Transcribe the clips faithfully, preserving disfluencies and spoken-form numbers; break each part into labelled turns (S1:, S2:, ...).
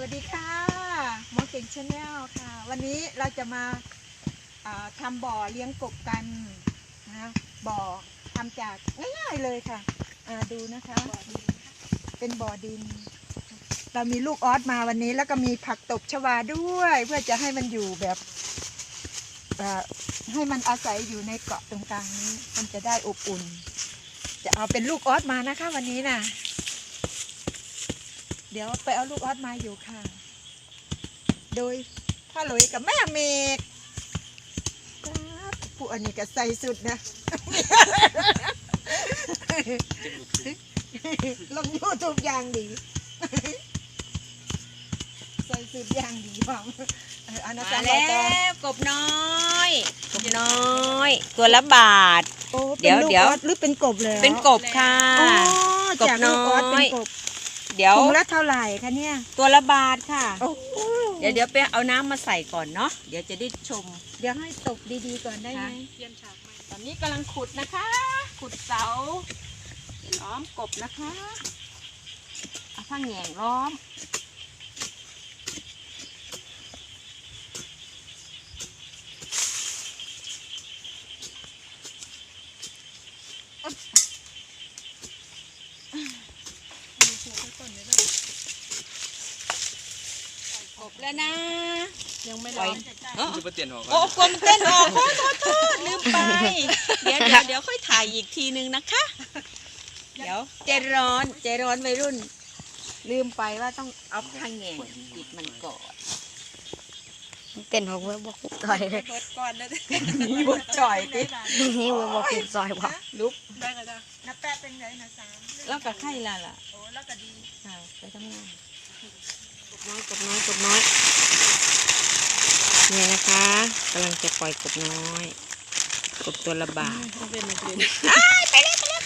S1: วัสดีค่ะหมอเก่งชาแนลค่ะวันนี้เราจะมาทำบ่อเลี้ยงกบกันนะบ่อทำจากง่ายๆเลยค่ะดูนะคะเป็นบ่อดินเรามีลูกออสมาวันนี้แล้วก็มีผักตบชวาด้วยเพื่อจะให้มันอยู่แบบให้มันอาศัยอยู่ในเกาะตรงกลางนี้มันจะได้อบอุ่นจะเอาเป็นลูกออสมานะคะวันนี้นะเดี๋ยวไปเอาลูกออสมาอยู่ค่ะโดยพ่อหลุยกับแม่เมกผู้อันนี้ก็ใส่สุดนะลงยูทูบอย่างดีใส่สุดอย่างดีบ้าง
S2: มาแล้วกบน้อยกบน้อยตัวละบาท
S1: เดี๋ยวเดี๋ยวหรือเป็นกบเลย
S2: เป็นกบค่ะ
S1: กบน้อย
S2: เดี๋ยว
S1: ถุงละเท่าไหร่คะเนี่ย
S2: ตัวละบาทค่ะเดี๋ยวเดี๋ยวไปเอาน้ำมาใส่ก่อนเนาะเดี๋ยวจะได้ชม
S1: เดี๋ยวให้ตกดีๆก่อนได้ไหม
S2: ตอนนี้กำลังขุดนะคะขุดเสาล้อมกบนะคะเอาผ้าแหง่งล้อมกบแล้วนะ
S1: ยังไม่ร้อน
S2: โอ้โอ้กลมเต้นออกโทษโทษโทษลืมไปเดี๋ยวเดี๋ยวเดี๋ยวค่อยถ่ายอีกทีนึงนะคะเดี๋ยวใจร้อนใจร้อนวัยรุ่นลืมไปว่าต้องเอาผ้าแหง่ปิดมันก่อน
S3: เต้นของเว็บบอกซอยเลย
S1: ก่อนเลย
S2: นี่บดจ่อยติ
S3: นี่เว็บบอกปิดซอยว่ะ
S2: ลุก
S1: ได้ก็ได้นับแปะเป็นไงนะสาม
S2: แล้วก็ไข่ละล่ะ
S1: โอ้แล้วก็ดี
S2: ค่ะไปทำงาน
S3: กบน้อยกบน้อยกบน้อยเนี่ยนะคะกำลังจะปล่อยกบน้อยกบตัวละบาท
S2: ไปเลยไป
S3: เลยไปเลย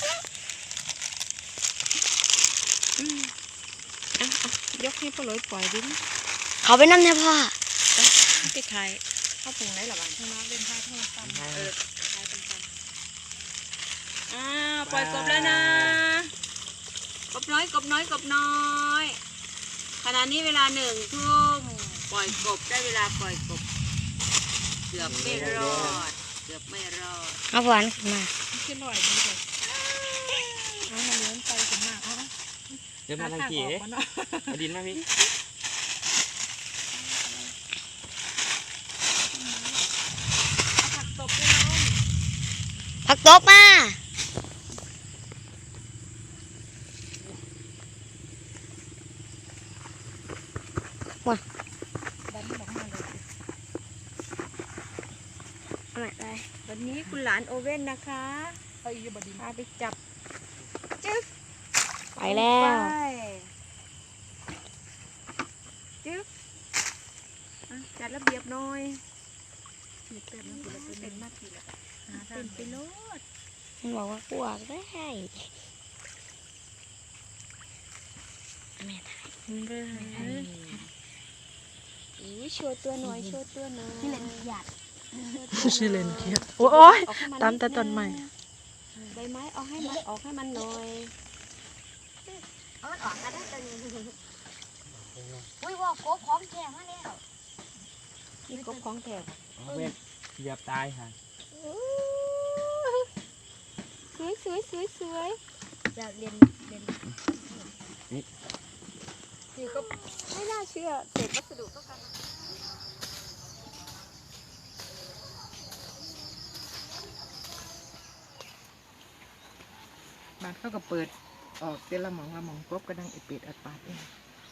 S2: ยกให้พ่อลอยปล่อยดิ
S3: เขาไปนั่งเนี่ยพ่อ
S2: ไปขายเข้าปรุงได้หรอบ้าง
S1: มาเป็นพาทอดตำเออขายเป็นพัน
S2: อ่าปล่อยกบแล้วนะกบน้อยกบน้อยกบน้อยขณะนี้เวลาหนึ่งทุ่มปล่อยกบได้เวลาปล่อยกบเกือบไม่รอดเกือบไม่รอด
S3: เอาหวานขึ้นมา
S1: ขึ้นหน่อยดีเลยเอามาเลี้ยงไปถึงมากอ๋อ
S4: เดี๋ยวมาทางขี่เอ๊ะมาดินมาพี่
S1: ผักตบด้วยน้อง
S3: ผักตบมาว้า
S1: ดันบอกมาเลย
S3: อะไร
S2: วันนี้คุณหลานโอเว่นนะคะ
S1: เอาอีกบดิน
S2: พาไปจับจึ๊ก
S3: ไปแล้ว
S2: จึ๊กจัดระเบียบหน่อย
S1: เป็นเป็นมากทีละ
S2: เป็นไปโลด
S3: มันบอกว่ากลัวได้แม่ถ่าย
S2: อุ้ยโชว์ตัวหน่อยโชว์ตัวหน่อย
S3: นี่เล่นหยาด
S1: ชื่อเล่นเคียบโอ้ยตามแต่ต้นใหม่
S2: ใบไม้เอาให้มันออกให้มันหน่อย
S3: เอามันออกกันได้ตัวนี้อุ้ยว่ากบพร้อมแข่มาแล้ว
S2: นี่กบของแถบ
S4: เว้นเหยียบตายค่ะ
S2: สวยสวยสวยสวย
S3: อยากเรียนเรียน
S4: นี่
S2: นี่ก็ไม่น่าเชื่อเศษวัสดุเท่ากัน
S1: บ้านเขาก็เปิดออกเตละหมองละหมองกบก็ดังไอเป็ดอัดปาดเอง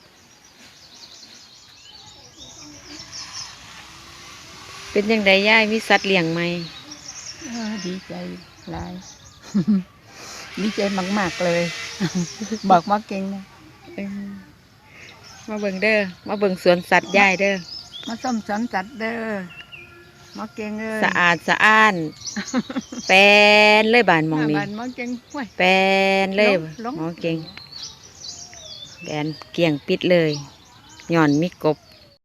S3: เป็นยังไงย่ายมีสัตว์เลี้ยงไหม
S1: ดีใจหลายดีใจมากๆเลยบอกมาเก่งนะ
S3: มาเบิ่งเด้อมาเบิ่งสวนสัตว์ย่ายเด้อ
S1: มาส้มสวนสัตว์เด้อมาเก่งเลย
S3: สะอาดสะอ้านแปนเลยบานมองนี้แปนเลยมองเก่งแปนเกี่ยงปิดเลยหย่อนมีกบ